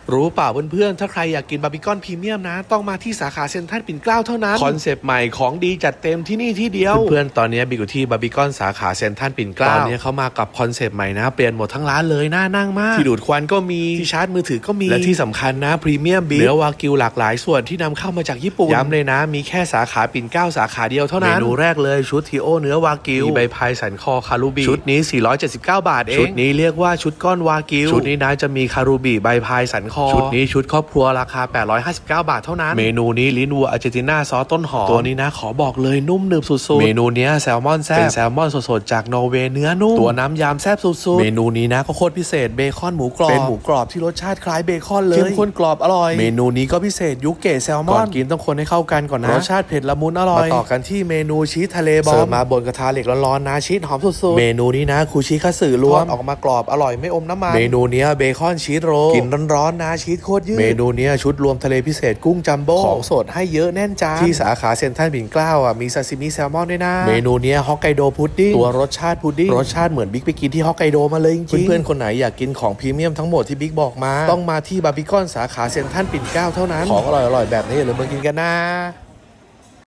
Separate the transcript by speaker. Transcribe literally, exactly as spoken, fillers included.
Speaker 1: รู้เปล่าเพื่อนๆถ้าใครอยากกินบาร์บีคอนพรีเมียมนะต้องมาที่สาขาเซ็นทรัลปิ่นเกล้าเท่านั้นคอนเซปต์ใหม่ของดีจัดเต็มที่นี่ที่เดียวเพื่อนๆตอนนี้บิ๊กอยู่ที่บาร์บีคอนสาขาเซ็นทรัลปิ่นเกล้าตอนนี้เขามากับคอนเซปต์ใหม่นะเปลี่ยนหมดทั้งร้านเลยน่านั่งมากที่ดูดควันก็มีที่ชาร์จมือถือก็มีและที่สำคัญนะพรีเมียมบีฟเนื้อวากิวหลากหลายส่วนที่นำเข้ามาจากญี่ปุ่นย้ำเลยนะมีแค่สาขาปิ่นเกล้าสาขาเดียวเท่านั้นเมนูแรกเลยชุดทีโอเนื้อวากิวมีใบพายสันคอคารูบิชุดนี้สี่ร้อยเจ็ดสิบเก้าบาทเองชุดนี้เรียกว่าชุดก้อนวากิวชุดนี้นะจะมีคารูบิใบพายสันคอชุดนี้ชุดครอบครัวราคาแปดร้อยห้าสิบเก้าบาทเท่านั้นเมนูนี้ลิ้นวัวอาร์เจนตินาซอสต้นหอมตัวนี้นะขอบอกเลยนุ่มหนึบสุดๆเมนูนี้แซลมอนแซ่บเป็นแซลมอนสดๆจากนอร์เวย์เนื้อนุ่มตัวน้ำยำแซ่บสุดๆเมนูนี้นะก็โคตรพิเศษเบคอนหมูกรอบเป็นหมูกรอบที่รสชาติคล้ายเบคอนเลยเข้มข้นกรอบอร่อยเมนูนี้ก็พิเศษยุเกะแซลมอนก่อนกินต้องคนให้เข้ากันก่อนนะรสชาติเผ็ดละมุนอร่อยมาต่อกันที่เมนูชีสทะเลบอมเสิร์ฟมาบนกระทะเหล็กร้อนๆนะชีสหอมสุดๆเมนูนี้นะคูชิคัตสึรวมออกมากรอบอร่อยไม่อมน้ำมันเมนูนี้เบคอนชีสโรลกินร้อนๆนะชีสโคตรยืดเมนูนี้ชุดรวมทะเลพิเศษกุ้งจัมโบ้ของสดให้เยอะแน่นจานที่สาขาเซ็นทรัลปิ่นเกล้าอ่ะมีซาซิมิแซลมอนด้วยนะเมนูนี้ฮอกไกโดพุดดิ้งตัวรสชาติพุดดิ้งรสชาติเหมือนบิ๊กไปกินที่ฮอกไกโดมาเลยจริงๆเพื่อนๆคนไหนอยากกินของพรีเมียมทั้งหมดที่บิ๊กบอกมาต้องมาที่บาร์บีคอนสาขาเซ็นทรัลปิ่นเกล้าเท่านั้นของอร่อยๆแบบนี้อย่าลืมมากินกันนะ